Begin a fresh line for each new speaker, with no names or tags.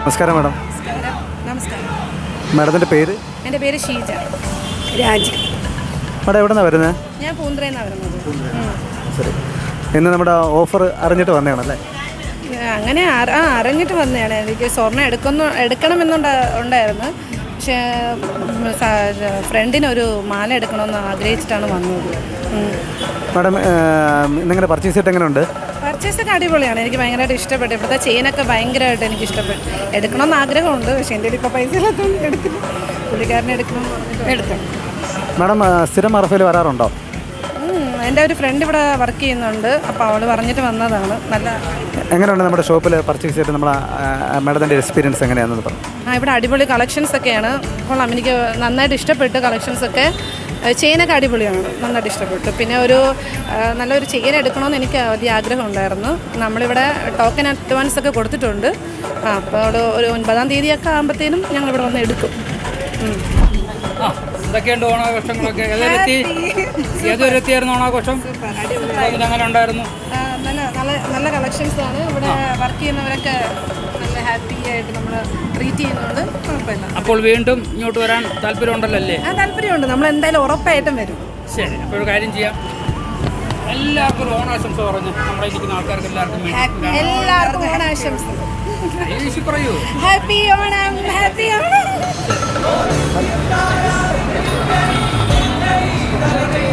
നമസ്കാരം മാഡം.
നമസ്കാരം.
മാഡത്തിൻ്റെ പേര്?
എൻ്റെ പേര് ഷീജ രാജ്.
മാഡം എവിടെ നിന്നാണ് വരുന്നത്?
ഞാൻ പൂന്തറയിൽനിന്നാണ് വരുന്നത്.
ശരി. ഇന്ന് നമ്മുടെ ഓഫർ അറിഞ്ഞിട്ട് വന്നതാണല്ലേ?
അങ്ങനെ അറിഞ്ഞിട്ട് വന്നതാണ്. എനിക്ക് സ്വർണ്ണം എടുക്കണമെന്നുണ്ടായിരുന്നു. പക്ഷേ ഫ്രണ്ടിനൊരു മാല എടുക്കണമെന്ന് ആഗ്രഹിച്ചിട്ടാണ് വന്നത്.
മാഡം നിങ്ങളുടെ പർച്ചേസ് ചെയ്തിട്ട് എങ്ങനെയുണ്ട്?
പർച്ചേസൊക്കെ അടിപൊളിയാണ്. എനിക്ക് ഭയങ്കരമായിട്ട് ഇഷ്ടപ്പെട്ടു. ഇപ്പോഴത്തെ ചെയിനൊക്കെ ഭയങ്കരമായിട്ട് എനിക്ക് ഇഷ്ടപ്പെട്ടു. എടുക്കണമെന്ന് ആഗ്രഹമുണ്ട്. പക്ഷേ എൻ്റെ ഇപ്പോൾ പൈസ ഇല്ലാത്തതുകൊണ്ട് എടുക്കില്ല. പുള്ളിക്കാരനെ എടുക്കണം.
മാഡം സ്ഥിരം അറഫയിൽ വരാറുണ്ടോ?
എൻ്റെ ഒരു ഫ്രണ്ട് ഇവിടെ വർക്ക് ചെയ്യുന്നുണ്ട്. അപ്പോൾ അവൾ പറഞ്ഞിട്ട് വന്നതാണ്. നല്ല
എങ്ങനെയുണ്ട് നമ്മുടെ ഷോപ്പിൽ പർച്ചേസ് ചെയ്തിട്ട് നമ്മളെ മാഡത്തിൻ്റെ എക്സ്പീരിയൻസ് എങ്ങനെയാണെന്ന് പറഞ്ഞു?
ഇവിടെ അടിപൊളി കളക്ഷൻസ് ഒക്കെയാണ്. കൊള്ളാം, എനിക്ക് നന്നായിട്ട് ഇഷ്ടപ്പെട്ടു. കളക്ഷൻസൊക്കെ ചെയിനൊക്കെ അടിപൊളിയാണ്, നന്നായിട്ട് ഇഷ്ടപ്പെട്ടു. പിന്നെ നല്ലൊരു ചെയിൻ എടുക്കണമെന്ന് എനിക്ക് വലിയ ആഗ്രഹം ഉണ്ടായിരുന്നു. നമ്മളിവിടെ ടോക്കൺ അഡ്വാൻസ് ഒക്കെ കൊടുത്തിട്ടുണ്ട്. അപ്പോൾ ഒരു 9-ാം തീയതിയൊക്കെ ആകുമ്പോഴത്തേനും ഞങ്ങളിവിടെ വന്ന് എടുക്കും.
എന്തൊക്കെയുണ്ട് ഓണാഘോഷങ്ങളൊക്കെ? ഏതൊരു എത്തിയായിരുന്നു ഓണാഘോഷം? അങ്ങനെ ഉണ്ടായിരുന്നു.
നല്ല കളക്ഷൻസാണ്. ഇവിടെ വർക്ക് ചെയ്യുന്നവരൊക്കെ നല്ല ഹാപ്പി ആയിട്ട് നമ്മൾ ട്രീറ്റ് ചെയ്യുന്നുണ്ട്. കുഴപ്പമില്ല.
അപ്പോൾ വീണ്ടും ഇങ്ങോട്ട് വരാൻ താല്പര്യമുണ്ടല്ലോ അല്ലേ?
താല്പര്യമുണ്ട്. നമ്മൾ എന്തായാലും ഉറപ്പായിട്ടും വരും.
ശരി, അപ്പോൾ ഒരു കാര്യം ചെയ്യാം. എല്ലാവർക്കും ഒരു ഓണാശംസ പറഞ്ഞു. നമ്മളെ ഇരിക്കുന്ന ആൾക്കാർക്ക്
എല്ലാവർക്കും ഓണാശംസ.
പറയൂ.
Happy Onam, happy Onam.